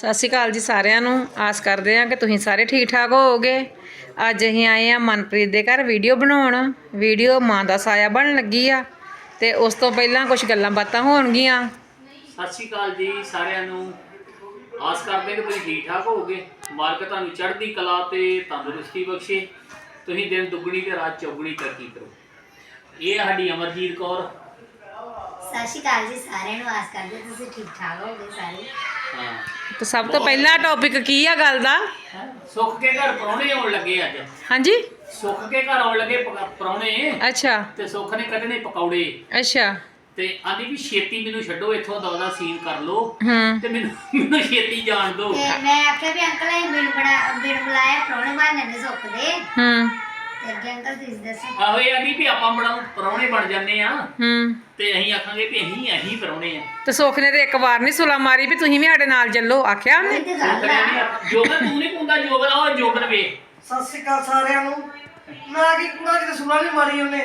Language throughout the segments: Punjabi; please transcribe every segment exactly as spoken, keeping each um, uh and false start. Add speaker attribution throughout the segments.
Speaker 1: ਸਤਿ ਸ਼੍ਰੀ ਅਕਾਲ ਜੀ ਸਾਰਿਆਂ ਨੂੰ। ਆਸ ਕਰਦੇ ਹਾਂ ਕਿ ਤੁਸੀਂ ਸਾਰੇ ਠੀਕ ਠਾਕ ਹੋਵੋਗੇ। ਅੱਜ ਅਸੀਂ ਆਏ ਆ ਮਨਪ੍ਰੀਤ ਦੇ ਘਰ ਵੀਡੀਓ ਬਣਾਉਣ। ਵੀਡੀਓ ਮਾਂ ਦਾ ਸਾਇਆ ਬਣਨ ਲੱਗੀ ਆ ਤੇ ਉਸ ਤੋਂ ਪਹਿਲਾਂ ਕੁਝ ਗੱਲਾਂ ਬਾਤਾਂ ਹੋਣਗੀਆਂ।
Speaker 2: ਸਤਿ ਸ਼੍ਰੀ ਅਕਾਲ ਜੀ ਸਾਰਿਆਂ ਨੂੰ। ਆਸ ਕਰਦੇ ਕਿ ਤੁਸੀਂ ਠੀਕ ਠਾਕ ਹੋਵੋਗੇ। ਮਾਲਕ ਤੁਹਾਨੂੰ ਚੜ੍ਹਦੀ ਕਲਾ ਤੇ ਤੰਦਰੁਸਤੀ ਬਖਸ਼ੇ। ਤੁਸੀਂ ਦਿਨ ਦੁੱਗਣੀ ਤੇ ਰਾਤ ਚੌਗੁਣੀ ਤਰੱਕੀ ਕਰੋ। ਇਹ ਸਾਡੀ ਅਮਰਜੀਤ ਕੌਰ।
Speaker 3: ਸਤਿ ਸ਼੍ਰੀ ਅਕਾਲ ਜੀ ਸਾਰਿਆਂ ਨੂੰ। ਆਸ ਕਰਦੇ ਤੁਸੀਂ ਠੀਕ ਠਾਕ ਹੋਗੇ ਸਾਰੇ।
Speaker 2: ਹਾਂ
Speaker 1: ਤੇ ਸਭ ਤੋਂ ਪਹਿਲਾ ਟੌਪਿਕ ਕੀ ਆ ਗੱਲ ਦਾ?
Speaker 2: ਸੁੱਖ ਕੇ ਘਰ ਪ੍ਰਾਹੁਣੇ ਆਉਣ ਲੱਗੇ ਅੱਜ।
Speaker 1: ਹਾਂਜੀ,
Speaker 2: ਸੁੱਖ ਕੇ ਘਰ ਆਉਣ ਲੱਗੇ ਪ੍ਰਾਹੁਣੇ।
Speaker 1: ਅੱਛਾ
Speaker 2: ਤੇ ਸੁੱਖ ਨੇ ਕੱਢਣੇ ਪਕੌੜੇ।
Speaker 1: ਅੱਛਾ।
Speaker 2: ਤੇ ਆਂਦੀ ਵੀ ਛੇਤੀ ਮੈਨੂੰ ਛੱਡੋ ਇੱਥੋਂ ਦਾ ਉਹਦਾ ਸੀਨ ਕਰ ਲੋ
Speaker 1: ਹੂੰ
Speaker 2: ਤੇ ਮੈਨੂੰ ਮੈਨੂੰ ਛੇਤੀ ਜਾਣ ਦਿਓ।
Speaker 3: ਤੇ ਮੈਂ ਆਖਿਆ ਵੀ ਅੰਕਲ ਇਹ ਬਿਨ ਬਣਾ ਬਿਨ ਬੁਲਾਇਆ ਪ੍ਰਾਹੁਣੇ ਬਣਨੇ ਨੇ ਸੁੱਖ ਦੇ।
Speaker 1: ਹੂੰ
Speaker 3: ਤੇ ਅੱਗੇ ਅੰਕਲ ਤੁਸੀਂ ਦੱਸੋ।
Speaker 2: ਆਹੋ ਇਹ ਆਂਦੀ ਵੀ ਆਪਾਂ ਬੜਾ ਪ੍ਰਾਹੁਣੇ ਬਣ ਜਾਂਦੇ ਆ
Speaker 1: ਹੂੰ
Speaker 2: ਤੇ ਅਸੀਂ ਆਖਾਂਗੇ ਵੀ ਅਸੀਂ ਅਸੀਂ ਪ੍ਰਾਹੁਣੇ ਆ।
Speaker 1: ਤੇ ਸੁੱਖ ਨੇ ਤੇ ਇੱਕ ਵਾਰ ਨਹੀਂ ਸੁਲਾ ਮਾਰੀ ਵੀ ਤੁਸੀਂ ਵੀ ਸਾਡੇ ਨਾਲ ਚੱਲੋ, ਆਖਿਆ ਉਹਨੇ?
Speaker 3: ਇਹ ਤੇ ਗੱਲ ਆ।
Speaker 2: ਜੋਬਨ ਤੂੰ ਨਹੀਂ ਕੁੰਦਾ ਜੋਬਨ ਆ ਉਹ ਜੋਬਨ ਵੇ।
Speaker 4: ਸਤਿ ਸ਼੍ਰੀ ਅਕਾਲ ਸਾਰਿਆਂ ਨੂੰ। ਨਾ ਕੀ ਕੂੜਾ ਕਿਤੇ ਸੁਣਾ ਨਹੀਂ ਮਾਰੀ ਉਹਨੇ।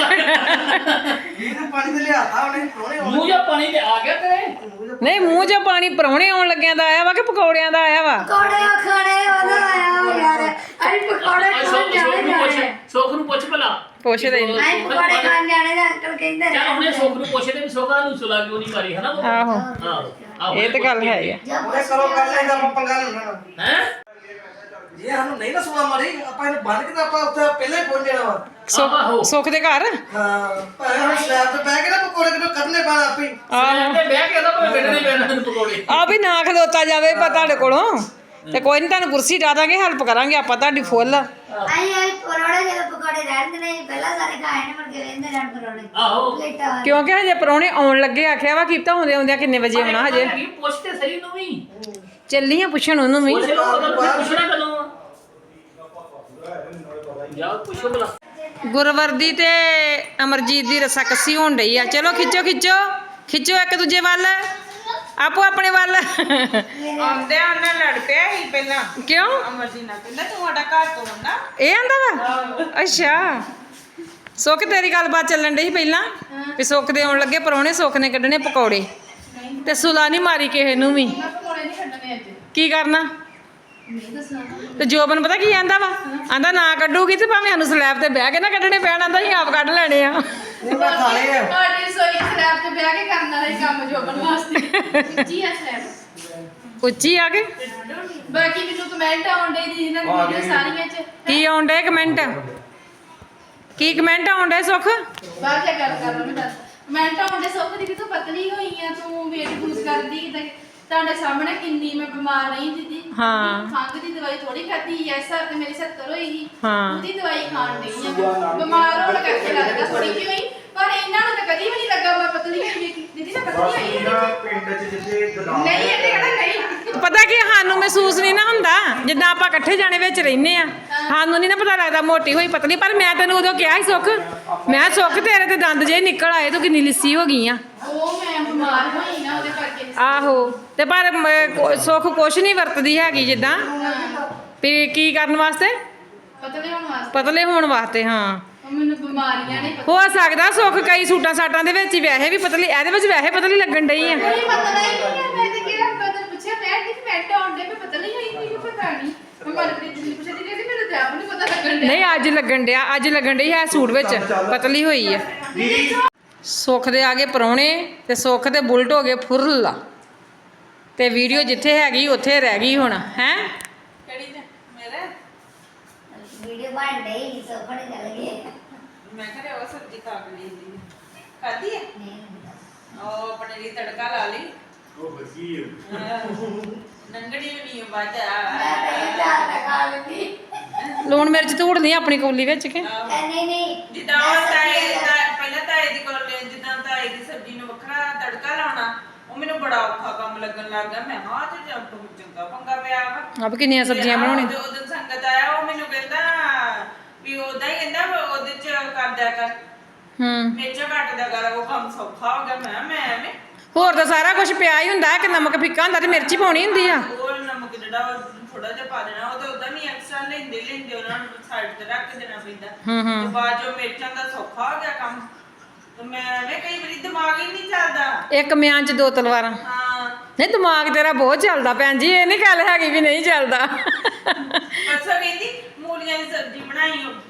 Speaker 4: ਇਹਨੂੰ ਪਾਣੀ ਤੇ ਲਿਆਤਾ ਉਹਨੇ ਪ੍ਰਾਹੁਣੇ
Speaker 2: ਮੂੰਹ ਜਾਂ ਪਾਣੀ ਤੇ ਆ ਗਿਆ ਤੇਰੇ।
Speaker 1: ਨਹੀਂ, ਮੂੰਹ 'ਚ ਪਾਣੀ ਪ੍ਰਾਹੁਣੇ ਆਉਣ ਲੱਗਿਆਂ ਦਾ ਆਇਆ ਵਾ ਕਿ ਪਕੌੜਿਆਂ ਦਾ ਆਇਆ ਵਾ?
Speaker 3: ਪਕੌੜੇ ਖਾਣੇ ਉਹਦਾ ਆਇਆ ਯਾਰ। ਅਸੀਂ ਪਕੌੜੇ ਖਾਣ
Speaker 2: ਸੁੱਖ
Speaker 3: ਜਾਣੇ
Speaker 2: ਨੂੰ ਪੁੱਛ
Speaker 3: ਜਾਣੇ।
Speaker 2: ਸੁੱਖ ਨੂੰ ਪੁੱਛ ਭਲਾ।
Speaker 1: ਪੁੱਛਦੇ ਨੀ।
Speaker 3: ਅਸੀਂ ਪਕੌੜੇ ਖਾਣ ਜਾਣੇ ਦਾ ਅੰਕਲ ਕਹਿੰਦੇ
Speaker 2: ਚੱਲ ਹੁਣੇ ਸੁੱਖ ਨੂੰ ਪੁੱਛਦੇ ਵੀ ਸੁੱਖਾ ਨੂੰ ਸੁਲਾ ਕਿਉਂ ਨਹੀਂ ਮਾਰੀ ਹਨਾ।
Speaker 1: ਆਹੋ,
Speaker 2: ਆਹੋ
Speaker 1: ਇਹ ਤੇ ਗੱਲ ਹੈ ਹੀ ਆ।
Speaker 4: ਉਹਨੇ ਕਰੋ ਕਰ ਲੈਂਦਾ ਆਪਾਂ ਪੰਗਾ ਲੈਣਾ।
Speaker 2: ਹੈ
Speaker 4: ਜੇ ਸਾਨੂੰ ਨਹੀਂ ਨਾ ਸੁਣਾ ਮਾਰੀ ਆਪਾਂ ਇਹਨੂੰ ਬੰਨ ਕੇ ਤਾਂ ਆਪਾਂ ਉੱਥੇ ਪਹਿਲਾਂ ਹੀ ਪਹੁੰਚ ਜਾਣਾ ਵਾ।
Speaker 2: ਆਹੋ।
Speaker 1: ਸੁੱਖ ਸੁੱਖ ਦੇ ਘਰ।
Speaker 4: ਹਾਂ ਭਾਵੇਂ ਹੁਣ ਸਲੈਬ ਤੇ ਬਹਿ ਕੇ ਨਾ ਪਕੌੜੇ ਕਿਦੋਂ ਕੱਢਨੇ ਪੈਣਾ ਆਪੇ ਹੀ।
Speaker 2: ਆਹੋ ਤੇ ਬਹਿ ਕੇ ਉਹਦਾ ਭਾਵੇਂ ਕੱਢਣੇ ਪੈਣ ਤੈਨੂੰ ਪਕੌੜੇ।
Speaker 1: ਆ ਵੀ ਨਾ ਖਲੋਤਾ ਜਾਵੇ ਪਾ ਤੁਹਾਡੇ ਕੋਲੋਂ ਤੇ ਕੋਈ ਨਹੀਂ, ਤੁਹਾਨੂੰ ਕੁਰਸੀ ਡਾ ਦਾਂਗੇ, ਹੈਲਪ ਕਰਾਂਗੇ ਆਪਾਂ ਤੁਹਾਡੀ ਫੁੱਲ।
Speaker 3: ਅਸੀਂ ਅਸੀਂ ਪਕੌੜੇ ਜਦੋਂ ਪਕੌੜੇ ਰਹਿੰਦੇ ਨੇ ਪਹਿਲਾਂ ਸਾਰੇ ਖਾਏ ਨੇ ਮੁੜ ਕੇ ਰਹਿੰਦੇ ਰਹਿਣ ਪਕੌੜੇ।
Speaker 2: ਆਹੋ
Speaker 3: ਪਲੇਟਾਂ
Speaker 1: ਕਿਉਂਕਿ ਹਜੇ ਪ੍ਰਾਹੁਣੇ ਆਉਣ ਲੱਗੇ, ਆਖਿਆ ਵਾ ਕੀਤਾ ਹੁੰਦੇ ਆਉਂਦਿਆਂ ਕਿੰਨੇ ਵਜੇ ਆਉਣਾ ਹਜੇ।
Speaker 2: ਹੈਗੀ, ਪੁੱਛ ਤੇ ਸਹੀ ਨੂੰ ਵੀ।
Speaker 1: ਚੱਲੀ ਆ ਪੁੱਛਣ ਉਹਨੂੰ ਵੀ।
Speaker 2: ਪੁੱਛ ਲਓ ਉਹਦਾ ਪੁੱਛਣਾ ਕਦੋਂ ਆ। ਜਾ ਪੁੱਛੋ ਭਲਾ।
Speaker 1: ਗੁਰਵਰਦੀ ਤੇ ਅਮਰਜੀਤ ਦੀ ਰਸਾ ਕੱਸੀ ਹੋਣ ਡਈ ਆ। ਚਲੋ ਖਿੱਚੋ ਖਿੱਚੋ ਖਿੱਚੋ ਇੱਕ ਦੂਜੇ ਵੱਲ, ਆਪੋ ਆਪਣੇ ਵੱਲ।
Speaker 5: ਆਉਂਦੇ ਉਹਨੇ ਲੜ ਪਿਆ ਸੀ ਪਹਿਲਾਂ।
Speaker 1: ਕਿਉਂ?
Speaker 5: ਅਮਰਜੀਤ ਨਾਲ ਕਹਿੰਦਾ ਤੂੰ ਸਾਡਾ ਘਰ ਤੋੜਨਾ।
Speaker 1: ਇਹ ਆਂਦਾ ਵਾ? ਅੱਛਾ। ਸੁੱਖ ਤੇਰੀ ਗੱਲਬਾਤ ਚੱਲਣ ਡਈ ਸੀ ਪਹਿਲਾਂ ਵੀ ਸੁੱਖ ਦੇ ਆਉਣ ਲੱਗੇ ਪ੍ਰਾਹੁਣੇ, ਸੁੱਖ ਨੇ ਕੱਢਣੇ ਪਕੌੜੇ ਤੇ ਸੁਲਾ ਨਹੀਂ ਮਾਰੀ ਕਿਸੇ ਨੂੰ ਵੀ।
Speaker 5: ਮੈਂ ਪਕੌੜੇ ਨਹੀਂ ਛੱਡਣੇ ਅੱਜ।
Speaker 1: ਕੀ ਕਰਨਾ?
Speaker 5: ਨਹੀਂ ਦੱਸਣਾ।
Speaker 1: ਤੇ ਜੋਬਨ ਪਤਾ ਕੀ ਆਂਦਾ ਵਾ? ਆਂਦਾ ਨਾ ਕੱਢੂਗੀ ਤੇ ਭਾਵੇਂ ਸਾਨੂੰ ਸਲੈਬ ਤੇ ਬਹਿ ਕੇ ਨਾ ਕੱਢਣੇ ਪੈਣ, ਆਂਦਾ ਅਸੀਂ ਆਪ ਕੱਢ ਲੈਣੇ ਆ।
Speaker 4: ਉਹ ਮੈਂ ਖਾ ਲਏ ਆ।
Speaker 5: ਤੁਹਾਡੀ ਸੋਈ ਸਲੈਬ ਤੇ ਬਹਿ ਕੇ ਕਰਨ ਵਾਲਾ ਹੀ ਕੰਮ ਜੋਬਨ ਵਾਸਤੇ। ਜੀ ਆ ਸਲੈਬ।
Speaker 1: ਉੱਚੀ ਆ ਕੇ
Speaker 5: ਬਾਕੀ ਮੈਨੂੰ ਕਮੈਂਟ ਆਉਂਦੇ ਜੀ ਇਹਨਾਂ ਦੀ ਵੀਡੀਓ ਸਾਰੀਆਂ ਚ।
Speaker 1: ਕੀ ਆਉਣ ਡੇ ਕਮੈਂਟ? ਕੀ ਕਮੈਂਟ ਆਉਣ ਡੇ ਸੁੱਖ?
Speaker 5: ਬਾਅਦ ਚ ਗੱਲ ਕਰ ਲਵਾਂਗੇ। ਦੱਸ ਕਮੈਂਟ ਆਉਂਦੇ ਸੁੱਖ ਦੀ ਕਿ ਤੂੰ ਪਤਲੀ ਹੋਈ ਆ, ਤੂੰ ਵੇਟ ਲੂਜ਼ ਕਰਦੀ ਕਿਤੇ। ਤੁਹਾਡੇ ਸਾਹਮਣੇ ਕਿੰਨੀ ਮੈਂ ਬਿਮਾਰ ਰਹੀ ਦੀਦੀ।
Speaker 1: ਹਾਂ।
Speaker 5: ਖੰਘ ਦੀ ਦਵਾਈ ਥੋੜੀ ਖਾਧੀ ਐ। ਸਰ ਤੇ ਮੇਰੀ ਸੱਤਰ ਹੋਈ ਸੀ।
Speaker 1: ਹਾਂ।
Speaker 5: ਉਹਦੀ ਦਵਾਈ ਖਾਣ ਡਈ ਆ। ਬਿਮਾਰ ਹੋਣ ਕਰਕੇ ਲੱਗਦਾ ਥੋੜੀ ਜਿਹੀ ਹੋਈ, ਪਰ ਇਹਨਾਂ ਨੂੰ ਤਾਂ ਕਦੀ ਵੀ ਨਹੀਂ ਲੱਗਾ ਮੈਂ ਪਤਲੀ ਹੋਈ ਹਾਂ। ਦੀਦੀ ਮੈਂ ਪਤਲੀ ਹੋਈ ਹਾਂ।
Speaker 4: ਪਿੰਡ 'ਚ ਜਿੱਥੇ ਗਦਾਮ
Speaker 5: ਨਹੀਂ ਇਹਨੇ ਕਹਿੰਦਾ ਨਹੀਂ।
Speaker 1: ਪਤਾ ਕੀ ਸਾਨੂੰ ਮਹਿਸੂਸ ਨਹੀਂ ਨਾ ਹੁੰਦਾ, ਜਿੱਦਾਂ ਆਪਾਂ ਇਕੱਠੇ ਜਾਣੇ ਵਿੱਚ ਰਹਿੰਦੇ ਆ, ਸਾਨੂੰ ਨਹੀਂ ਨਾ ਪਤਾ ਲੱਗਦਾ ਮੋਟੀ ਹੋਈ ਪਤਲੀ। ਪਰ ਮੈਂ ਤੈਨੂੰ ਉਦੋਂ ਕਿਹਾ ਸੀ ਸੁੱਖ, ਮੈਂ ਸੁੱਖ ਤੇਰੇ ਤੇ ਦੰਦ ਜੇ ਨਿਕਲ ਆਏ, ਤੂੰ ਕਿੰਨੀ ਲਿੱਸੀ ਹੋ ਗਈ ਆ।
Speaker 5: ਉਹ ਮੈਂ ਬਿਮਾਰ ਹੋਈ ਨਾ ਉਹਦੇ ਕਰਕੇ।
Speaker 1: ਆਹੋ ਤੇ ਪਰ ਮ- ਕੋ- ਸੁੱਖ ਕੁਛ ਨਹੀਂ ਵਰਤਦੀ ਹੈਗੀ ਜਿੱਦਾਂ ਵੀ ਕੀ ਕਰਨ ਵਾਸਤੇ,
Speaker 5: ਪਤਲੇ ਹੋਣ ਵਾਸਤੇ।
Speaker 1: ਪਤਲੇ ਹੋਣ ਵਾਸਤੇ। ਹਾਂ
Speaker 5: ਉਹ ਮੈਨੂੰ ਬਿਮਾਰੀਆਂ ਨੇ
Speaker 1: ਹੋ ਸਕਦਾ ਸੁੱਖ ਕਈ ਸੂਟਾਂ ਸਾਟਾਂ ਦੇ ਵਿੱਚ ਹੀ ਵੈਸੇ ਵੀ ਪਤਲੀ, ਇਹਦੇ ਵਿੱਚ ਵੈਸੇ ਪਤਲੀ ਲੱਗਣ ਡਈ ਆ।
Speaker 5: ਕੋਈ ਪਤਾ ਨਹੀਂ ਹੈ। ਮੈਂ ਤੇ ਕਿਹਾ ਮੈਂ ਤਾਂ ਪੁੱਛਿਆ ਮੈਂ ਕਿ ਕਮੈਂਟ ਆਉਂਦੇ ਮੈਂ ਪਤਲੀ ਹੋਈ ਮੈਨੂੰ ਪਤਾ ਨਹੀਂ। ਮੈਂ ਮਨਪ੍ਰੀਤ ਜੀ ਨੂੰ ਪੁੱਛਿਆ ਦੀ ਕਹਿੰਦੀ ਮੈਨੂੰ ਤਾਂ ਆਪ ਨਹੀਂ ਪਤਾ ਲੱਗਣ ਡਿਆ।
Speaker 1: ਨਹੀਂ ਅੱਜ ਲੱਗਣ ਡਿਆ, ਅੱਜ ਲੱਗਣ ਡਈ ਹੈ ਸੂਟ ਵਿੱਚ ਪਤਲੀ ਹੋਈ ਆ। ਸੁੱਖ ਦੇ ਆ ਗਏ ਪ੍ਰਾਹੁਣੇ ਤੇ ਸੁੱਖ ਤੇ ਬੁਲਟ ਹੋ ਗਏ ਫੁਰਲਾ ਤੇ ਵੀਡੀਓ ਜਿੱਥੇ ਹੈਗੀ ਉੱਥੇ ਰਹਿ ਗਈ ਹੁਣ। ਹੈ
Speaker 5: ਕਿਹੜੀ ਤੇ ਮੇਰੇ
Speaker 3: ਵੀਡੀਓ ਬਣ ਡਈ ਸੋਫਣੇ ਚੱਲ ਗਏ।
Speaker 5: ਮੈਂ ਕਿਹਾ ਉਹ ਸਬਜ਼ੀ ਖਾ ਲਈ ਦੀ ਖਾਦੀ ਹੈ।
Speaker 3: ਨਹੀਂ
Speaker 5: ਉਹ ਆਪਣੇ ਲਈ ਤੜਕਾ ਲਾ ਲਈ।
Speaker 4: ਉਹ ਬੱਜੀ ਹੈ।
Speaker 5: ਨੰਗੜੀ ਵੀ ਨਹੀਂ ਬਾਜਾ।
Speaker 3: ਮੈਂ ਤਾਂ ਇਹ ਚਾਹ ਤਾਂ ਖਾ ਲੈਂਦੀ।
Speaker 1: ਲੂਣ ਮਿਰਚ ਧੂੜਨੀ ਆਪਣੀ ਕੌਲੀ ਵਿੱਚ ਕੇ।
Speaker 3: ਨਹੀਂ ਨਹੀਂ
Speaker 5: ਜਿੱਦਾਂ ਉਹ ਤਾਏ ਦਾ ਪਹਿਲਾਂ ਤਾਏ ਦੀ ਕੋਲ ਜਿੱਦਾਂ ਤਾਏ ਦੀ ਸਬਜ਼ੀ ਨੂੰ ਵੱਖਰਾ ਤੜਕਾ ਲਾਉਣਾ, ਉਹ ਮੈਨੂੰ ਬੜਾ ਔਖਾ ਕੰਮ ਲੱਗਣ ਲੱਗ ਗਿਆ। ਮੈਂ ਹਾਂ ਤੇ ਜੰਪ ਚੰਗਾ ਪੰਗਾ ਪਿਆ ਵਾ।
Speaker 1: ਆਪ ਕਿੰਨੀਆਂ ਸਬਜ਼ੀਆਂ ਬਣਾਉਣੀ।
Speaker 5: ਤੇ ਉਦੋਂ ਸੰਗਤ ਆਇਆ ਉਹ ਮੈਨੂੰ ਕਹਿੰਦਾ ਵੀ ਉਦਾਂ ਹੀ ਕਹਿੰਦਾ ਉਹਦੇ ਚ ਕਰ ਦਿਆ ਕਰ,
Speaker 1: ਹੂੰ
Speaker 5: ਮਿਰਚਾਂ ਕੱਟ ਦਿਆ ਕਰ, ਉਹ ਕੰਮ ਸੌਖਾ ਹੋ ਗਿਆ। ਮੈਂ ਮੈਂ ਐਵੇਂ
Speaker 1: ਹੋਰ ਤਾਂ ਸਾਰਾ ਕੁਝ ਪਿਆ ਹੀ ਹੁੰਦਾ ਕਿ ਨਮਕ ਫਿੱਕਾ ਹੁੰਦਾ ਤੇ ਮਿਰਚ ਹੀ ਪਾਉਣੀ ਹੁੰਦੀ ਆ।
Speaker 5: ਉਹ ਨਮਕ ਜਿਹੜਾ ਥੋੜਾ ਜਿਹਾ ਪਾ ਦੇਣਾ, ਉਹ ਤਾਂ ਉਦਾਂ ਵੀ ਐਕਸਟਰਾ ਲੈਂਦੇ ਲੈਂਦੇ ਉਹਨਾਂ ਨੂੰ ਸਾਈਡ ਤੇ ਰੱਖ ਦੇਣਾ ਪੈਂਦਾ।
Speaker 1: ਹੂੰ ਹੂੰ
Speaker 5: ਤੇ ਬਾਅਦ ਜੋ ਮਿਰਚਾਂ ਦਾ ਸੌਖਾ ਹੋ ਗਿਆ ਕੰਮ। ਤੇ ਮੈਂ ਵੇ ਕਈ ਵਾਰੀ ਦਿਮਾਗ ਹੀ ਨਹੀਂ ਚੱਲਦਾ।
Speaker 1: ਇੱਕ ਮਿਆਂ 'ਚ ਦੋ ਤਲਵਾਰਾਂ।
Speaker 5: ਹਾਂ
Speaker 1: ਨਹੀਂ ਦਿਮਾਗ ਤੇਰਾ ਬਹੁਤ ਚੱਲਦਾ ਭੈਣ ਜੀ, ਇਹ ਨਹੀਂ ਗੱਲ ਹੈਗੀ ਵੀ ਨਹੀਂ ਚੱਲਦਾ।
Speaker 5: ਪਰਸੋਂ ਕਹਿੰਦੀ ਮੂਲੀਆਂ ਦੀ ਸਬਜ਼ੀ ਬਣਾਈ ਉਹ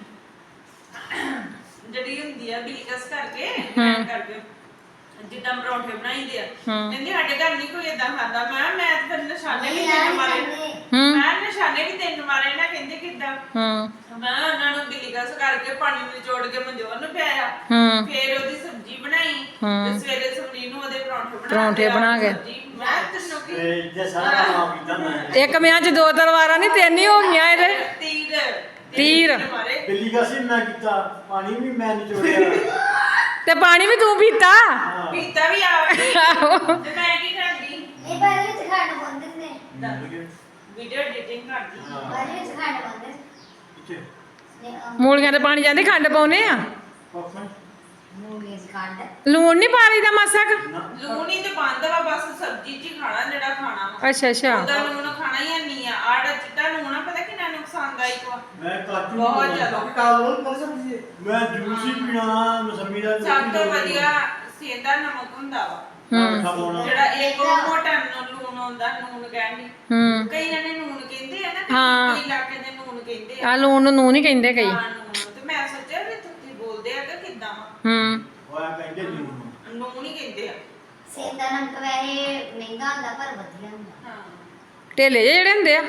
Speaker 5: ਜਿਹੜੀ ਹੁੰਦੀ ਆ ਬਿਲਕਸ ਕਰਕੇ ਐਂ ਕਰਕੇ ਜਿੱਦਾਂ ਪਰੌਂਠੇ ਬਣਾਈਦੇ ਆ। ਕਹਿੰਦੀ ਸਾਡੇ ਘਰ ਨਹੀਂ ਕੋਈ ਏਦਾਂ ਖਾਂਦਾ। ਮੈਂ ਕਿਹਾ ਮੈਂ ਤਾਂ ਫਿਰ ਨਿਸ਼ਾਨੇ ਵੀ ਤਿੰਨ ਮਾਰੇ ਮੈਂ ਨਿਸ਼ਾਨੇ ਵੀ ਤਿੰਨ ਮਾਰੇ ਨਾ। ਕਹਿੰਦੇ ਕਿੱਦਾਂ?
Speaker 1: ਹੂੰ
Speaker 5: ਮੈਂ ਉਹਨਾਂ ਨੂੰ ਬਿਲਕਸ ਕਰਕੇ ਪਾਣੀ ਵਿੱਚ ਨਿਚੋੜ ਕੇ ਮਨਜੋਤ ਨੂੰ ਪਿਆਇਆ।
Speaker 1: ਹੂੰ
Speaker 5: ਫਿਰ ਉਹਦੀ ਸਬਜ਼ੀ ਬਣਾਈ ਤੇ ਸਵੇਰੇ ਸਵਰੀ ਨੂੰ ਉਹਦੇ ਪਰੌਂਠੇ ਬਣਾ
Speaker 1: ਪਰੌਂਠੇ ਬਣਾ ਕੇ।
Speaker 5: ਮੈਂ ਤੈਨੂੰ ਕੀ
Speaker 6: ਜੇ ਸਾਰਾ ਨਾਮ ਕੀਤਾ ਮੈਂ
Speaker 1: ਇੱਕ ਮਿਆਂ 'ਚ ਦੋ ਤਲਵਾਰਾਂ ਨਹੀਂ ਤਿੰਨ ਹੀ ਹੋ ਗਈਆਂ ਇਹਦੇ।
Speaker 5: ਤੀਰ
Speaker 1: ਤੀਰ।
Speaker 5: ਮਾਰੇ।
Speaker 6: ਬਿੱਲੀ ਕਾਸੀ ਮੈਂ ਕੀਤਾ ਪਾਣੀ ਵੀ ਮੈਂ ਨਿਚੋੜਿਆ
Speaker 1: ਤੇ ਪਾਣੀ ਵੀ ਤੂੰ ਪੀਤਾ।
Speaker 5: ਪੀਤਾ ਵੀ ਆ ਤੇ ਮੈਂ ਕੀ ਕਰਦੀ
Speaker 3: ਇਹ ਬਾਰੇ ਵਿੱਚ ਖੰਡ ਪਾਉਂਦੇ ਨੇ
Speaker 5: ਵੀਡੀਓ ਐਡੀਟਿੰਗ ਕਰਦੀ
Speaker 3: ਬਾਰੇ ਵਿੱਚ ਖੰਡ ਪਾਉਂਦੇ
Speaker 6: ਕਿੱਥੇ
Speaker 3: ਨੇ
Speaker 1: ਮੂਲੀਆਂ ਤੇ ਪਾਣੀ ਜਾਂਦੇ ਖੰਡ ਪਾਉਨੇ ਆ।
Speaker 6: ਪਾਪਾ
Speaker 3: ਮੂੰਗੀ ਦੀ ਖੰਡ
Speaker 1: ਲੂਣ ਨਹੀਂ ਪਾ ਲਈਦਾ ਮਾਸਾ ਕੁ?
Speaker 5: ਲੂਣ ਹੀ ਤੇ ਬੰਦ ਵਾ ਬਸ ਸਬਜ਼ੀ ਚ ਹੀ ਖਾਣਾ ਜਿਹੜਾ ਖਾਣਾ ਵਾ।
Speaker 1: ਅੱਛਾ ਅੱਛਾ
Speaker 5: ਉਹਦਾ ਲੂਣ ਖਾਣਾ ਹੀ ਨਹੀਂ ਆ। ਆੜਾ ਚਿੱਟਾ ਲੂਣ ਆ ਪਤਾ ਕਿੰਨਾ ਨੁਕਸਾਨਦਾਇਕ ਵਾ।
Speaker 6: ਮੈਂ ਕਾਚੂ
Speaker 5: ਬਹੁਤ ਜ਼ਿਆਦਾ।
Speaker 4: ਕਾਲੋ ਕੋਲ ਸਮਝੀਏ
Speaker 6: ਮੈਂ ਜੂਸ ਹੀ ਪੀਣਾ ਮਸੰਮੀ ਦਾ
Speaker 5: ਸਭ ਤੋਂ ਵਧੀਆ ਸੇਂਦਾ ਨਮਕ ਹੁੰਦਾ ਵਾ
Speaker 6: ਹੂੰ
Speaker 5: ਜਿਹੜਾ ਇੱਕ ਉਹ ਮੋਟਾ ਨੂੰ ਲੂਣ ਹੁੰਦਾ ਨੂਨ ਕਹਿੰਦੀ।
Speaker 1: ਹੂੰ
Speaker 5: ਕਈ ਜਣੇ ਨੂਨ ਕਹਿੰਦੇ ਆ ਨਾ
Speaker 1: ਹਾਂ।
Speaker 5: ਕਈ ਇਲਾਕੇ ਦੇ ਨੂਨ ਕਹਿੰਦੇ ਆ।
Speaker 1: ਆ ਲੂਣ ਨੂੰ ਨੂਣ ਹੀ ਕਹਿੰਦੇ ਕਈ।
Speaker 5: ਹਾਂ ਨੂਨ ਤੇ ਮੈਂ ਸੋਚਿਆ ਵੀ ਤੁਸੀਂ ਬੋਲਦੇ ਆ ਕਿ ਕਿੱਦਾਂ ਵਾ।
Speaker 1: ਹੂੰ
Speaker 6: ਹੋਇਆ ਕਹਿੰਦੇ ਜੂ
Speaker 5: ਨੂਨ ਹੀ ਕਹਿੰਦੇ ਆ।
Speaker 3: ਸੇਂਦਾ ਨਮਕ ਵੈਸੇ ਮਹਿੰਗਾ ਹੁੰਦਾ ਪਰ ਵਧੀਆ ਹੁੰਦਾ
Speaker 5: ਹਾਂ
Speaker 1: ਢੇਲੇ ਜਿਹੇ ਜਿਹੜੇ ਹੁੰਦੇ ਆ।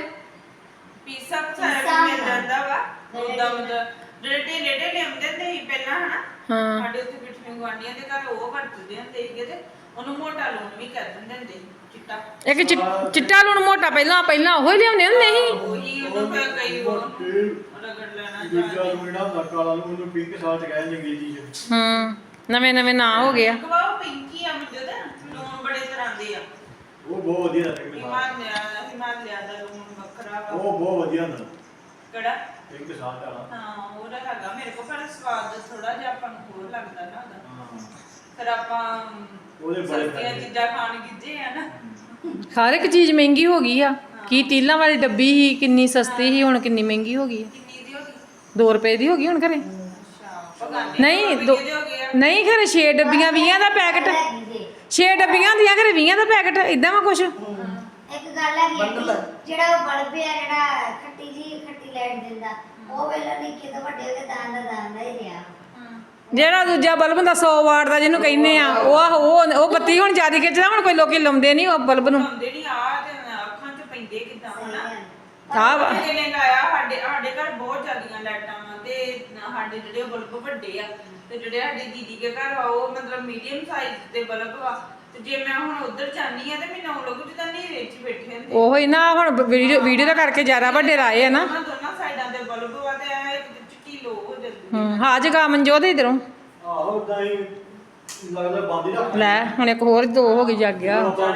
Speaker 5: ਪੀਸਾ ਸਾਰਾ
Speaker 3: ਪੀਸਾ
Speaker 5: ਮਿਲ ਜਾਂਦਾ ਵਾ।
Speaker 3: ਮੇਰੇ
Speaker 5: ਉਦਾਂ ਮਤਲਬ ਜਿਹੜੇ ਢੇਲੇ ਢੇਲੇ ਹੁੰਦੇ ਹੁੰਦੇ ਸੀ ਪਹਿਲਾਂ ਹਨਾ।
Speaker 1: ਹਾਂ
Speaker 5: ਸਾਡੇ ਉੱਥੇ ਪਿੱਛੇ ਗੁਆਂਢੀਆਂ ਦੇ ਘਰ ਉਹ ਵਰਤਦੇ ਹੁੰਦੇ ਸੀਗੇ ਤੇ ਉਹਨੂੰ ਮੋਟਾ ਲੂਣ ਵੀ ਕਰ ਦਿੰਦੇ ਹੁੰਦੇ ਸੀ ਚਿੱਟਾ।
Speaker 1: ਇੱਕ ਚਿ- ਚਿੱਟਾ ਲੂਣ ਮੋਟਾ ਪਹਿਲਾਂ ਪਹਿਲਾਂ ਉਹੀ ਲਿਆਉਂਦੇ ਹੁੰਦੇ ਸੀ।
Speaker 5: ਉਹੀ ਉਹਨੂੰ ਫਿਰ ਕਈ ਉਹ ਰਗੜ ਲੈਣਾ
Speaker 6: ਦੂਜਾ
Speaker 5: ਜਾਂ
Speaker 6: ਲੂਣਾ ਹੁੰਦਾ ਕਾਲਾ ਲੂਣ ਉਹਨੂੰ ਪਿੰਕ ਸਾਲਟ ਕਹਿੰਦੇ ਅੰਗਰੇਜ਼ੀ ਚ
Speaker 1: ਹੂੰ ਨਵੇਂ ਨਵੇਂ ਨਾਂ ਹੋ ਗਏ ਆ।
Speaker 5: ਗਵਾਹ ਪਿੰਕੀ ਆ ਮੁੰਡੇ ਦਾ ਲੂਣ ਬੜੇ ਤਰ੍ਹਾਂ ਦੇ ਆ।
Speaker 6: ਉਹ ਬਹੁਤ ਵਧੀਆ ਲੱਗਦਾ ਪਿੰਕ ਸਾਲਟ
Speaker 5: ਹਿਮਾਲਿਆ ਹਿਮਾਲਿਆ ਦਾ ਲੂਣ ਵੱਖਰਾ ਵਾ।
Speaker 6: ਉਹ ਬਹੁਤ ਵਧੀਆ ਹੁੰਦਾ
Speaker 5: ਕਿਹੜਾ?
Speaker 6: ਪਿੰਕ ਸਾਲਟ ਵਾਲਾ
Speaker 5: ਹਾਂ ਉਹਦਾ ਹੈਗਾ ਮੇਰੇ ਕੋਲ ਪਰ ਸਵਾਦ ਥੋੜਾ ਜਿਹਾ ਆਪਾਂ ਨੂੰ ਹੋਰ ਲੱਗਦਾ ਨਾ ਉਹਦਾ।
Speaker 6: ਹਾਂ
Speaker 5: ਫਿਰ ਆਪਾਂ
Speaker 6: ਉਹਦੇ ਬੜੇ
Speaker 5: ਸਸਤੀਆਂ
Speaker 6: ਫਾਇਦੇ।
Speaker 5: ਚੀਜ਼ਾਂ ਖਾਣ ਗਿੱਜੇ ਆ ਨਾ।
Speaker 1: ਹਰ ਇੱਕ ਚੀਜ਼ ਮਹਿੰਗੀ ਹੋ ਗਈ ਆ। ਕੀ ਤੀਲਾਂ ਵਾਲੀ ਡੱਬੀ ਸੀ ਕਿੰਨੀ ਸਸਤੀ ਸੀ ਹੁਣ ਕਿੰਨੀ ਮਹਿੰਗੀ ਹੋ ਗਈ ਆ।
Speaker 5: ਕਿੰਨੀ ਦੀ ਹੋ ਗਈ?
Speaker 1: ਦੋ ਰੁਪਏ ਦੀ ਹੋ ਗਈ ਹੁਣ ਘਰੇ।
Speaker 5: ਅੱਛਾ ਪਗਾਨੇ
Speaker 1: ਨਹੀਂ ਦੋ
Speaker 5: ਦੇ ਹੋ ਗਏ ਆ।
Speaker 1: ਨਹੀਂ ਘਰੇ ਛੇ ਡੱਬੀਆਂ ਵੀਹਾਂ ਦਾ ਪੈਕਟ।
Speaker 3: ਹੈਗੀ ਜੇ
Speaker 1: ਛੇ ਡੱਬੀਆਂ ਹੁੰਦੀਆਂ ਘਰੇ ਵੀਹਾਂ ਦਾ ਪੈਕਟ ਇਦਾਂ ਵਾ ਕੁਛ।
Speaker 3: ਇੱਕ ਗੱਲ ਹੈਗੀ ਆ ਕਿ ਜਿਹੜਾ ਉਹ ਬਲਬ ਆ ਜਿਹੜਾ ਖੱਟੀ ਜੀ ਖੱਟੀ ਲਾਈਟ ਦਿੰਦਾ ਉਹ ਵੇਲੇ ਨਿੱਕੇ ਤੋਂ ਵੱਡੇ ਹੋ ਕੇ ਦਾਨ ਦਾ ਦਾਨ ਦਾ ਹੀ ਰਿਹਾ
Speaker 1: ਜਿਹੜਾ ਦੂਜਾ ਬਲਬ ਹੁੰਦਾ ਸੌ ਵਾਟ ਦਾ ਜਿਹਨੂੰ ਕਹਿੰਦੇ ਆ ਉਹ ਆਹੋ, ਉਹ ਉਹ ਬੱਤੀ ਹੁਣ ਜ਼ਿਆਦਾ ਖਿੱਚਦਾ। ਹੁਣ ਕੋਈ ਲੋਕੀ ਲਾਉਂਦੇ ਨਹੀਂ ਉਹ ਬਲਬ ਨੂੰ।
Speaker 5: ਲਾਉਂਦੇ ਨਹੀਂ ਆ ਤੇ ਅੱਖਾਂ 'ਚ ਪੈਂਦੇ ਕਿਦਾਂ ਹਨਾ।
Speaker 1: ਆਹ ਵਾ।
Speaker 5: ਕਿਸੇ ਨੇ ਲਾਇਆ ਸਾਡੇ ਸਾਡੇ ਘਰ ਬਹੁਤ ਜ਼ਿਆਦੀਆਂ ਲਾਈਟਾਂ ਵਾ ਤੇ ਸਾਡੇ ਜਿਹੜੇ ਬਲਬ ਵੱਡੇ ਆ ਤੇ ਜਿਹੜੇ ਸਾਡੇ ਦੀਦੀ ਦੇ ਘਰ ਵਾ ਉਹ ਮਤਲਬ ਮੀਡੀਅਮ ਸਾਈਜ਼ ਦੇ ਬਲਬ ਵਾ। ਤੇ ਜੇ ਮੈਂ ਹੁਣ ਉਧਰ ਜਾਂਦੀ ਆ ਤੇ ਮੈਨੂੰ ਉਹ ਲੋਕ ਜਿੱਦਾਂ ਹਨੇਰੇ 'ਚ ਬੈਠੇ ਹੁੰਦੇ।
Speaker 1: ਉਹੋ ਹੀ ਨਾ ਹੁਣ ਵੀਡੀਓ ਵੀਡੀਓ ਦਾ ਕਰਕੇ ਜ਼ਿਆਦਾ ਵੱਡੇ ਲਾਏ ਆ ਨਾ।
Speaker 5: ਉਹਨਾਂ ਦੋਨਾਂ ਸਾਈਡਾਂ ਦੇ ਬਲਬ ਵਾ ਤੇ ਐ ਚਿੱਟੀ ਲੋ ਹੋ ਜਾਂਦੀ।
Speaker 1: ਹੂੰ ਹਾਂ ਜਗਾ ਮਨਜੋਤ ਇਧਰੋਂ
Speaker 6: ਆਹੋ ਉਦਾਂ ਹੀ ਲੱਗਦਾ ਬੰਦ ਹੀ ਰੱਖ
Speaker 1: ਲੈ ਹੁਣ ਇੱਕ ਹੋਰ ਦੋ ਹੋ ਗਈ ਜਾਗ ਗਿਆ।
Speaker 5: ਹੁਣ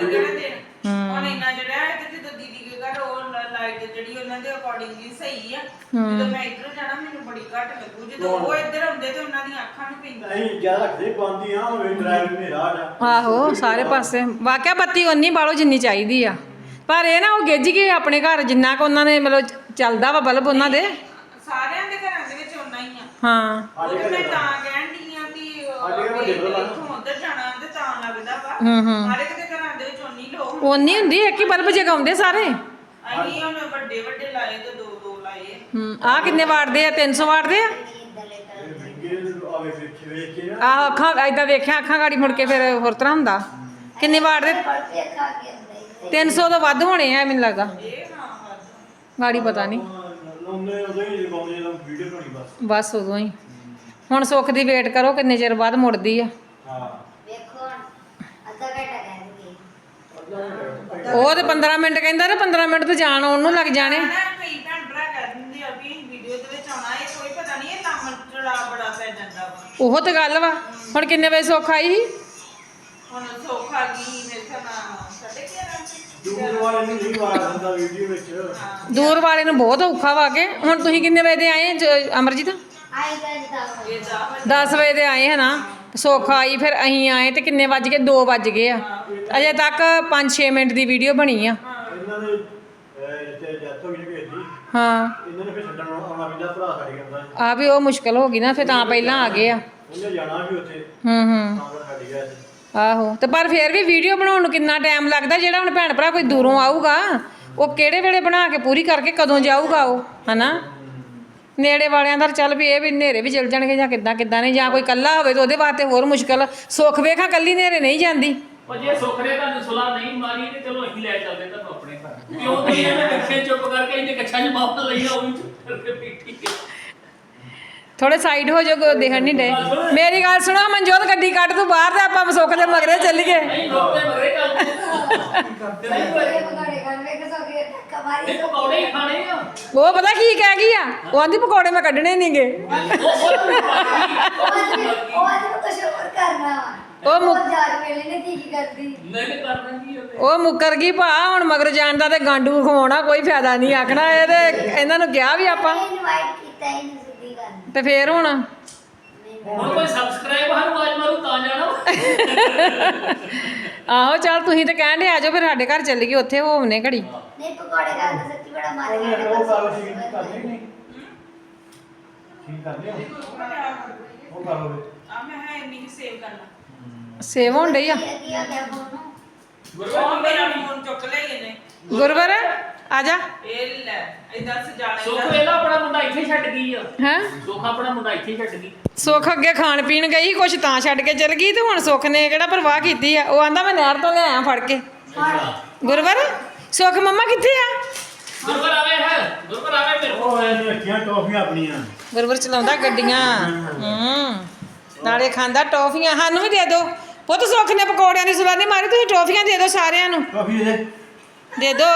Speaker 5: ਇੰਨਾ ਜਿਹੜਾ ਹੈ ਤੇ ਜਦੋਂ ਦੀਦੀ ਦੇ ਘਰ ਉਹ ਲਾਈਟ ਜਿਹੜੀ ਉਹਨਾਂ ਦੇ ਅਕੋਰਡਿੰਗਲੀ ਸਹੀ ਆ। ਜਦੋਂ ਮੈਂ ਇੱਧਰ ਜਾਣਾ ਮੈਨੂੰ ਬੜੀ ਘੱਟ ਲੱਗੂ। ਜਦੋਂ ਉਹ ਇੱਧਰ ਆਉਂਦੇ ਤੇ ਉਹਨਾਂ ਦੀਆਂ ਅੱਖਾਂ ਨੂੰ ਪੈਂਦਾ।
Speaker 6: ਨਹੀਂ ਜਿਆਦਾ ਰੱਖਦੇ ਬੰਦ ਹੀ ਆ ਹੋਵੇ ਡਰਾਈਵ ਮੇਰਾ ਆ
Speaker 1: ਆਹੋ ਸਾਰੇ ਪਾਸੇ ਵਾਕਿਆ ਬੱਤੀ ਉਨੀ ਬਾਲੋ ਜਿੰਨੀ ਚਾਹੀਦੀ ਆ। ਪਰ ਇਹ ਨਾ ਉਹ ਗਿੱਝ ਗਏ ਆਪਣੇ ਘਰ ਜਿੰਨਾ ਕੁ ਉਹਨਾਂ ਨੇ ਮਤਲਬ ਚੱਲਦਾ ਵਾ ਬਲਬ ਉਹਨਾਂ ਦੇ।
Speaker 5: ਸਾਰਿਆਂ ਦੇ ਘਰਾਂ ਦੇ ਵਿੱਚ ਓਨਾ ਹੀ ਆ।
Speaker 1: ਹਾਂ
Speaker 5: ਉਹ ਤੇ ਮੈਂ ਤਾਂ ਕਹਿਣ ਡਈ ਆ ਵੀ ਇੱਥੋਂ ਉੱਧਰ ਜਾਣਾ ਤੇ ਤਾਂ ਲੱਗਦਾ ਵਾ।
Speaker 1: ਹੂੰ ਹੂੰ
Speaker 5: ਹਰ ਇੱਕ ਦੇ ਘਰਾਂ ਦੇ ਵਿੱਚ ਓਨੀ ਲੋ
Speaker 1: ਉਨੀ ਹੁੰਦੀ ਇੱਕ ਹੀ ਬਲਬ ਜਗਾਉਂਦੇ ਸਾਰੇ।
Speaker 5: ਅਸੀਂ ਹੁਣ ਵੱਡੇ ਵੱਡੇ ਲਾਏ ਤੇ ਦੋ ਦੋ ਲਾਏ।
Speaker 1: ਹੂੰ ਆਹ ਕਿੰਨੇ ਵਾਟ ਦੇ ਆ? ਤਿੰਨ ਸੌ ਵਾਟ ਦੇ ਆ।
Speaker 6: ਆਵੇ ਵੇਖ ਵੇਖ ਕੇ ਨਾ
Speaker 1: ਆਹ ਅੱਖਾਂ ਏਦਾਂ ਵੇਖਿਆ ਅੱਖਾਂ ਗਾੜੀ ਮੁੜ ਕੇ ਫਿਰ ਹੋਰ ਤਰ੍ਹਾਂ ਹੁੰਦਾ। ਕਿੰਨੇ ਵਾਟ ਦੇ?
Speaker 3: ਬਲਬ ਵੀ ਖਾ ਕੇ ਹੁੰਦਾ
Speaker 1: ਤਿੰਨ ਸੌ ਤੋਂ ਵੱਧ ਹੋਣੇ ਆ ਮੈਨੂੰ ਲੱਗਾ।
Speaker 5: ਇਹ ਹਾਂ ਵੱਧ।
Speaker 1: ਗਾੜੀ ਪਤਾ ਨਹੀਂ
Speaker 6: ਲਾਉਂਦੇ ਉਦੋਂ ਹੀ ਲਗਾਉਂਦੇ ਜਦੋਂ ਵੀਡੀਓ ਬਣਾਉਣੀ ਬਸ
Speaker 1: ਬਸ ਉਦੋਂ ਹੀ। ਹੁਣ ਸੁੱਖ ਦੀ ਵੇਟ ਕਰੋ ਕਿੰਨੇ ਚਿਰ ਬਾਅਦ ਮੁੜਦੀ ਆ।
Speaker 6: ਹਾਂ
Speaker 3: ਵੇਖੋ ਹੁਣ ਅੱਧਾ ਘੰਟਾ ਕਹਿੰਦੇ
Speaker 1: ਉਹ ਤੇ ਪੰਦਰਾਂ ਮਿੰਟ ਕਹਿੰਦਾ ਤੇ ਪੰਦਰਾਂ ਮਿੰਟ ਤੇ ਜਾਣ ਆਉਣ ਨੂੰ ਲੱਗ ਜਾਣੇ।
Speaker 5: ਨਾ ਕਈ ਭੈਣ ਭਰਾ ਕਹਿ ਦਿੰਦੇ ਆ ਵੀ ਵੀਡੀਓ ਦੇ ਵਿੱਚ ਆਉਣਾ ਇਹ ਕੋਈ ਪਤਾ ਨਹੀਂ ਇਹ ਕੰਮ ਚੜਾ ਬੜਾ ਪੈ ਜਾਂਦਾ ਵਾ।
Speaker 1: ਉਹ ਤੇ ਗੱਲ ਵਾ। ਹੁਣ ਕਿੰਨੇ ਵਜੇ ਸੁੱਖ ਆਈ ਸੀ?
Speaker 5: ਹੁਣ ਸੌਖਾ ਗਈ ਮੇਰੇ ਖਿਆਲ ਨਾਲ ਸਾਢੇ ਗਿਆਰਾਂ
Speaker 6: ਦੂਰ ਵਾਲੇ ਨੂੰ ਨਹੀਂ ਵਾਰ ਦਿੰਦਾ ਵੀਡੀਓ ਵਿੱਚ
Speaker 1: ਦੂਰ ਵਾਲੇ ਨੂੰ ਬਹੁਤ ਔਖਾ ਵਾ ਕੇ। ਹੁਣ ਤੁਸੀਂ ਕਿੰਨੇ ਵਜੇ ਦੇ ਆਏ ਜ- ਅਮਰਜੀਤ?
Speaker 3: ਆਈ ਤਾਂ ਜਿੱਦਾਂ
Speaker 5: ਇਹ ਦਾ
Speaker 1: ਦਸ ਵਜੇ ਦੇ ਆਏ ਹੈ ਨਾ। ਸੁੱਖ ਆਈ ਫਿਰ ਅਸੀਂ ਆਏ ਤੇ ਕਿੰਨੇ ਵੱਜ ਗਏ? ਦੋ ਵੱਜ ਗਏ ਆ। ਅਜੇ ਤੱਕ ਪੰਜ ਛੇ ਮਿੰਟ ਦੀ ਵੀਡੀਓ ਬਣੀ ਆ।
Speaker 6: ਇਹਨਾਂ ਦੇ ਜਿੱਥੇ ਜੱਤ ਹੋ ਗਈ ਭੇਜ ਦੀ
Speaker 1: ਹਾਂ
Speaker 6: ਇਹਨਾਂ ਨੇ ਫਿਰ ਛੱਡਣ ਆਉਣਾ ਪੈਂਦਾ ਭਰਾ ਸਾਡੇ ਕਹਿੰਦਾ
Speaker 1: ਆ ਵੀ ਉਹ ਮੁਸ਼ਕਲ ਹੋ ਗਈ ਨਾ ਫਿਰ ਤਾਂ ਪਹਿਲਾਂ ਆ ਗਏ ਆ।
Speaker 6: ਉਹਨੇ ਜਾਣਾ ਵੀ ਉੱਥੇ
Speaker 1: ਹੂੰ ਹੂੰ
Speaker 6: ਤਾਂ ਕਰ ਹਟ ਗਿਆ ਸੀ।
Speaker 1: ਆਹੋ ਤੇ ਪਰ ਫੇਰ ਵੀ ਵੀਡੀਓ ਬਣਾਉਣ ਨੂੰ ਕਿੰਨਾ ਟਾਈਮ ਲੱਗਦਾ ਜਿਹੜਾ ਹੁਣ ਭੈਣ ਭਰਾ ਕੋਈ ਦੂਰੋਂ ਆਊਗਾ ਉਹ ਕਿਹੜੇ ਵੇਲੇ ਬਣਾ ਕੇ ਪੂਰੀ ਕਰਕੇ ਕਦੋਂ ਜਾਊਗਾ ਉਹ ਹਨਾ ਨੇੜੇ ਵਾਲਿਆਂ ਦਾ ਚੱਲ ਵੀ ਇਹ ਵੀ ਹਨੇਰੇ ਵੀ ਚਲ ਜਾਣਗੇ ਜਾਂ ਕਿੱਦਾਂ ਕਿੱਦਾਂ ਨਹੀਂ ਜਾਂ ਕੋਈ ਇਕੱਲਾ ਹੋਵੇ ਤਾਂ ਉਹਦੇ ਵਾਸਤੇ ਹੋਰ ਮੁਸ਼ਕਲ ਸੁੱਖ ਵੇਖਾ ਕੱਲੀ ਹਨੇਰੇ ਨਹੀਂ ਜਾਂਦੀ
Speaker 2: ਉਹ ਜੇ ਸੁੱਖ ਨੇ ਤੁਹਾਨੂੰ ਸੁਲਾ ਨਹੀਂ ਮਾਰੀ ਤੇ ਚਲੋ ਅਸੀਂ ਲੈ ਚੱਲਦੇ ਤੁਹਾਨੂੰ ਆਪਣੇ ਘਰ ਕਿਉਂ ਤੁਸੀਂ ਇਹਨੇ ਕੱਛੇ ਚੁੱਪ ਕਰਕੇ ਇਹਨੇ ਕੱਛਾਂ 'ਚ ਮਾਪ ਲਈ ਆ ਉਹ ਵੀ ਚੁੱਪ ਕਰਕੇ ਬੈਠੀ
Speaker 1: ਥੋੜੇ ਸਾਈਡ ਹੋ ਜਾਓ ਦੇਖਣ ਨਹੀਂ ਡੇ ਮੇਰੀ ਗੱਲ ਸੁਣੋ ਮਨਜੋਤ ਗੱਡੀ ਕੱਢ ਤੂੰ ਬਾਹਰ ਤੇ ਆਪਾਂ ਸੁੱਖ ਦੇ ਮਗਰੇ ਚੱਲੀਏ
Speaker 2: ਨਹੀਂ ਲੋਕ ਤੇ ਮਗਰੇ ਚੱਲਦੇ ਨਹੀਂ
Speaker 3: ਇਹ ਪਕੌੜੇ ਖਾਣ ਵੇਖ ਸੋਗੇ ਧੱਕਾ ਮਾਰੀ
Speaker 2: ਇਹ ਪਕੌੜੇ ਹੀ ਖਾਣੇ ਆ
Speaker 1: ਉਹ ਪਤਾ ਕੀ ਕਹਿ ਗਈ ਆ ਉਹ ਆਂਦੀ ਪਕੌੜੇ ਮੈਂ ਕੱਢਣੇ ਨਹੀਂਗੇ
Speaker 3: ਉਹ ਅੱਜ ਉਹ ਅੱਜ ਨੂੰ ਕੁਝ ਹੋਰ ਕਰਨਾ ਵਾ
Speaker 1: ਉਹ ਮੁ-
Speaker 3: ਉਹ ਜਾਣ ਵੇਲੇ ਨੇ ਕੀ ਕੀ ਕਰਦੀ
Speaker 2: ਨਹੀਂ ਕਰਨਾ ਕੀ ਉਹਨੇ
Speaker 1: ਉਹ ਮੁੱਕਰ ਗਈ ਭਾ ਹੁਣ ਮਗਰ ਜਾਣ ਦਾ ਤੇ ਗਾਂਡੂ ਖਵਾਉਣਾ ਕੋਈ ਫਾਇਦਾ ਨਹੀਂ ਆਖਣਾ ਇਹ ਤੇ ਇਹਨਾਂ ਨੂੰ ਕਿਹਾ ਵੀ ਆਪਾਂ
Speaker 3: ਇਨਵਾਈਟ ਕੀਤਾ ਹੀ ਨਹੀਂ ਸਿੱਧੀ ਗੱਲ
Speaker 1: ਤੇ ਫੇਰ ਹੁਣ
Speaker 2: ਹੁਣ ਕੋਈ ਸਬਸਕ੍ਰਾਈਬ ਸਾਨੂੰ ਆਜ ਮਾਰੂ ਤਾਂ ਜਾਣਾ
Speaker 1: ਆਹੋ ਚੱਲ ਤੁਸੀਂ ਤੇ ਕਹਿਣ ਦੇ ਆ ਜਾਓ ਫਿਰ ਸਾਡੇ ਘਰ ਚੱਲੀਏ ਉੱਥੇ ਹੋਵਨੇ ਘੜੀ
Speaker 3: ਨਹੀਂ ਪਕੌੜੇ ਖਾਣ ਦਾ ਸੱਚੀ ਬੜਾ ਮਨ
Speaker 6: ਉਹ
Speaker 3: ਕਰਦਾ
Speaker 6: ਉਹ ਕਰ ਠੀਕ ਕਰਦੇ ਨਹੀਂ ਠੀਕ ਕਰਦੇ ਹੋ ਉਹ ਕਰ ਲਵੇ
Speaker 5: ਆ ਮੈਂ ਹੈ ਇੰਨੀ ਸੇਵ ਕਰਨਾ
Speaker 1: ਸੇਵ ਹੋਣ ਡਈ ਆ
Speaker 3: ਕੀ ਆ ਗਿਆ ਫੋਨ
Speaker 5: ਉਹ ਮੇਰਾ ਫੋਨ ਚੁੱਕ ਲਿਆ ਇਹਨੇ
Speaker 1: ਗੁਰਵਰ ਆ ਜਾ
Speaker 5: ਇਹ ਲੈ ਇਦਾਂ ਸਜਾਣਾ
Speaker 2: ਸੁੱਖ ਵੇਲਾ ਆਪਣਾ ਮੁੰਡਾ ਇੱਥੇ ਛੱਡ ਗਈ ਆ
Speaker 1: ਹੈਂ
Speaker 2: ਸੁੱਖ ਆਪਣਾ ਮੁੰਡਾ ਇੱਥੇ ਛੱਡ ਗਈ
Speaker 1: ਸੁੱਖ ਅੱਗੇ ਖਾਣ ਪੀਣ ਗਈ ਕੁਛ ਤਾਂ ਛੱਡ ਕੇ ਚਲ ਗਈ ਤੇ ਹੁਣ ਸੁੱਖ ਨੇ ਕਿਹੜਾ ਪਰਵਾਹ ਕੀਤੀ ਆ ਉਹ ਆਂਦਾ ਮੈਂ ਨਹਿਰ ਤੋਂ ਲਿਆਇਆ ਫੜ ਕੇ ਗੁਰਵਰ ਸੁੱਖ ਮੰਮਾ ਕਿੱਥੇ ਆ
Speaker 2: ਗੁਰਬਰ ਆਵੇ ਹੈ ਗੁਰਬਰ ਆਵੇ ਮੇਰੇ ਕੋਲ
Speaker 6: ਉਹ ਇਹਨੇ ਰੱਖੀਆਂ ਟੌਫੀਆਂ ਆਪਣੀਆਂ
Speaker 1: ਗੁਰਵਰ ਚਲਾਉਂਦਾ ਗੱਡੀਆਂ ਹੂੰ ਨਾਲੇ ਖਾਂਦਾ ਟੌਫੀਆਂ ਸਾਨੂੰ ਵੀ ਦੇ ਦਿਓ ਪੁੱਤ ਸੁੱਖ ਨੇ ਪਕੌੜਿਆਂ ਦੀ ਸੁਲਾ ਨਹੀਂ ਮਾਰੀ ਤੁਸੀਂ ਟੌਫੀਆਂ ਦੇ ਦਿਓ ਸਾਰਿਆਂ ਨੂੰ
Speaker 6: ਟੌਫੀ ਦੇ
Speaker 1: ਦੇ ਦੋ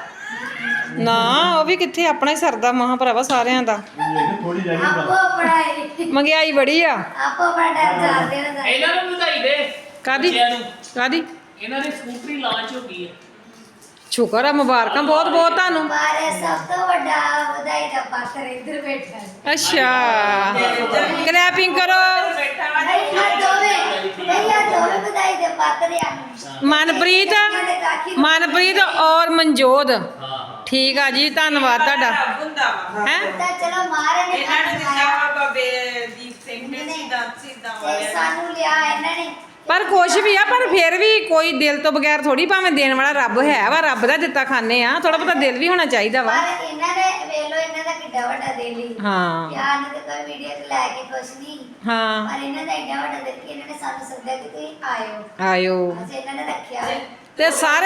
Speaker 1: ਨਾ ਉਹ ਵੀ ਕਿੱਥੇ ਆਪਣਾ ਹੀ ਸਰਦਾ ਮਹਾ ਭਰਾਵਾ ਸਾਰਿਆਂ ਦਾ
Speaker 6: ਇਹ ਥੋੜੀ ਜਿਹੀ
Speaker 3: ਆਪੋ ਪੜਾਈ
Speaker 1: ਮਹਿੰਗਾਈ ਬੜੀ ਆ
Speaker 3: ਆਪੋ ਬੜਾ ਟਾਈਮ ਚਾਹਦੇ ਨੇ
Speaker 2: ਇਹਨਾਂ ਨੂੰ ਵਧਾਈ ਦੇ
Speaker 1: ਕਾਦੀ
Speaker 2: ਬੱਚਿਆਂ ਨੂੰ
Speaker 1: ਕਾਦੀ
Speaker 2: ਇਹਨਾਂ ਦੀ ਸਕੂਟਰੀ ਲਾਂਚ ਹੋ ਗਈ ਹੈ
Speaker 1: ਸ਼ੁਕਰ ਆ ਮੁਬਾਰਕਾਂ ਬਹੁਤ ਬਹੁਤ ਤੁਹਾਨੂੰ
Speaker 3: ਬਾਰੇ ਸਭ ਤੋਂ ਵੱਡਾ ਵਧਾਈ ਦਾ ਪਾਤਰ ਇੱਧਰ ਬੈਠਾ ਹੈ।
Speaker 1: ਅੱਛਾ ਕਲੈਪਿੰਗ ਕਰੋ
Speaker 5: ਬੈਠਾ ਵਾ
Speaker 3: ਨਹੀਂ ਆ ਦੋਵੇਂ ਨਹੀਂ ਆ ਦੋਵੇਂ ਵਧਾਈ ਦੇ ਪਾਤਰ ਆ
Speaker 1: ਮਨਪ੍ਰੀਤ ਮਨਪ੍ਰੀਤ ਔਰ ਮਨਜੋਤ
Speaker 2: ਹਾਂ ਹਾਂ
Speaker 1: ਠੀਕ ਆ ਜੀ ਧੰਨਵਾਦ ਤੁਹਾਡਾ
Speaker 5: ਰੱਬ ਹੁੰਦਾ ਵਾ
Speaker 1: ਹੈ
Speaker 3: ਤਾਂ ਚਲੋ ਮਾਰੇ ਨੇ
Speaker 5: ਇਹਨਾਂ ਨੇ ਦਿੱਤਾ ਵਾ ਬਾਬੇ ਦੀਪ ਸਿੰਘ ਨੇ ਸਿੱਧਾ ਸਿੱਧਾ
Speaker 3: ਤੇ
Speaker 5: ਵਾਲਿਆਂ ਨੇ
Speaker 3: ਸਾਨੂੰ ਲਿਆ ਇਹਨਾਂ ਨੇ
Speaker 1: ਪਰ ਕੁਛ ਵੀ ਆ ਪਰ ਫਿਰ ਵੀ ਕੋਈ ਦਿਲ ਤੋਂ ਬਗੈਰ ਥੋੜੀ ਭਾਵੇਂ ਦੇਣ ਵਾਲਾ ਰੱਬ ਹੈ ਵਾ ਰੱਬ ਦਾ ਦਿੱਤਾ ਖਾਨੇ ਆ ਥੋੜਾ ਬਹੁਤਾ ਦਿਲ ਵੀ ਹੋਣਾ ਚਾਹੀਦਾ ਵਾ
Speaker 3: ਪਰ ਇਹਨਾਂ ਨੇ ਵੇਖ ਲੋ ਇਹਨਾਂ ਦਾ ਕਿੱਡਾ ਵੱਡਾ ਦਿਲ ਹੀ
Speaker 1: ਹਾਂ
Speaker 3: ਯਾਰ ਨੇ ਤਾਂ ਕੋਈ ਵੀਡੀਓ ਚ ਲੈ ਕੇ ਕੁਛ ਨਹੀਂ
Speaker 1: ਹਾਂ
Speaker 3: ਪਰ ਇਹਨਾਂ ਦਾ ਏਡਾ ਵੱਡਾ ਦਿਲ ਕਿ ਇਹਨਾਂ ਨੇ ਸਾਨੂੰ ਸੱਦਿਆ ਕਿ ਤੁਸੀਂ ਆਇਓ
Speaker 1: ਆਇਓ
Speaker 3: ਅਸੀਂ ਇਹਨਾਂ ਨੇ ਰੱਖਿਆ
Speaker 1: ਤੇ ਸਾਰੇ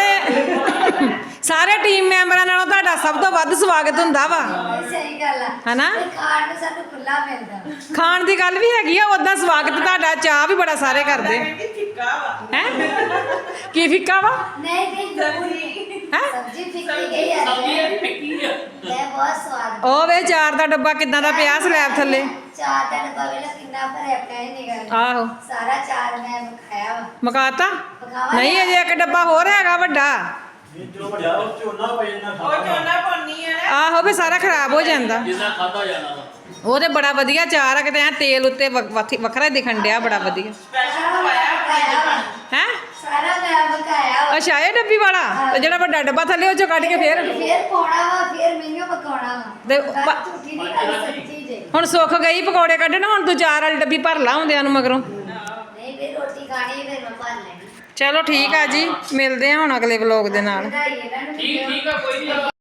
Speaker 1: ਸਾਰੇ ਟੀਮ ਮੈਂਬਰਾਂ ਨਾਲੋਂ ਤੁਹਾਡਾ ਸਭ ਤੋਂ ਵੱਧ ਸਵਾਗਤ ਹੁੰਦਾ ਵਾ
Speaker 3: ਇਹ ਸਹੀ ਗੱਲ ਆ
Speaker 1: ਹਨਾ?
Speaker 3: ਤੇ ਖਾਣ ਨੂੰ ਸਾਨੂੰ ਖੁੱਲਾ ਮਿਲਦਾ
Speaker 1: ਖਾਣ ਦੀ ਗੱਲ ਵੀ ਹੈਗੀ ਆ ਉਦਾਂ ਸਵਾਗਤ ਤੁਹਾਡਾ ਚਾਹ ਵੀ ਬੜਾ ਸਾਰੇ ਕਰਦੇ
Speaker 5: ਕਹਿੰਦੀ ਫਿੱਕਾ ਵਾ
Speaker 1: ਹੈ ਕੀ ਫਿੱਕਾ ਵਾ
Speaker 3: ਨਹੀਂ ਨਹੀਂ ਜ਼ਰੂਰੀ
Speaker 1: ਹੈਂ?
Speaker 3: ਸਬਜ਼ੀ ਫਿੱਕੀ ਗਈ ਆ
Speaker 2: ਸਬਜ਼ੀ ਇਹ ਫਿੱਕੀ ਆ
Speaker 3: ਇਹ ਬਹੁਤ ਸਵਾਦ
Speaker 1: ਉਹ ਵੇ ਚਾਰ ਦਾ ਡੱਬਾ ਕਿੱਦਾਂ ਦਾ ਪਿਆ ਸਲੈਬ ਥੱਲੇ
Speaker 3: ਚਾਰ ਦਾ ਡੱਬਾ ਵੇਲਾ ਕਿੰਨਾ ਭਰਿਆ ਪਿਆ ਹੀ ਨਿਕਲ
Speaker 1: ਆਹੋ
Speaker 3: ਸਾਰਾ ਚਾਰ ਮੈਂ ਖਾਇਆ ਵਾ
Speaker 1: ਮਕਾਤਾ
Speaker 3: ਪਕਾਵਾ
Speaker 1: ਨਹੀਂ ਅਜੇ ਇੱਕ ਡੱਬਾ ਹੋਰ ਹੈਗਾ ਵੱਡਾ
Speaker 6: ਇਹ ਜੋ ਵੱਡਾ ਉਹ ਝੋਨਾ ਪਈ ਜਾਂਦਾ
Speaker 5: ਉਹ ਚੋਨਾ ਪਾਉਣੀ ਆ ਨਾ
Speaker 1: ਆਹੋ ਵੀ ਸਾਰਾ ਖਰਾਬ ਹੋ ਜਾਂਦਾ
Speaker 2: ਜਿੰਨਾ ਖਾਦਾ ਜਾਣਾ ਵਾ
Speaker 1: ਉਹ ਤੇ ਬੜਾ ਵਧੀਆ ਚਾਰ ਆ ਕਿਤੇ ਐਂ ਤੇਲ ਉੱਤੇ ਵ- ਵੱਖ- ਵੱਖਰਾ ਦਿਖਣ ਡਿਆ ਬੜਾ ਵਧੀਆ
Speaker 5: ਸਪੈਸ਼ਲ ਖਵਾਇਆ ਆਪਣੇ ਪਾਣੀ
Speaker 1: ਹੈ
Speaker 3: ਸਾਰਾ ਮੈਂ ਪਕਾਇਆ ਵਾ
Speaker 1: ਅੱਛਾ ਇਹ ਡੱਬੀ ਵਾਲਾ ਤੇ ਜਿਹੜਾ ਵੱਡਾ ਡੱਬਾ ਥੱਲੇ ਉਹ ਚੋਂ ਕੱਢ ਕੇ ਫੇਰ
Speaker 3: ਫੇਰ ਪਾਉਣਾ ਵਾ ਫੇਰ ਮੈਨੂੰ ਪਕਾਉਣਾ ਵਾ
Speaker 1: ਤੇ
Speaker 3: ਗੱਲ
Speaker 1: ਪ-
Speaker 3: ਝੂਠੀ ਨਹੀਂ ਗੱਲ ਸੱਚੀ ਜੇ
Speaker 1: ਹੁਣ ਸੁੱਖ ਗਈ ਪਕੌੜੇ ਕੱਢਣ ਹੁਣ ਤੂੰ ਚਾਰ ਵਾਲੀ ਡੱਬੀ ਭਰ ਲਾ ਹੁੰਦਿਆਂ ਨੂੰ ਮਗਰੋਂ
Speaker 3: ਨਹੀਂ ਫੇਰ ਰੋਟੀ ਖਾਣੀ ਫੇਰ ਮੈਂ ਭਰ ਲੈਣੀ
Speaker 1: ਚਲੋ ਠੀਕ ਆ ਜੀ ਮਿਲਦੇ ਆ ਹੁਣ ਅਗਲੇ ਵਲੋਗ ਦੇ ਨਾਲ
Speaker 3: ਵਧਾਈ ਇਹਨਾਂ ਨੂੰ
Speaker 2: ਠੀਕ ਠੀਕ ਆ ਕੋਈ ਨਹੀਂ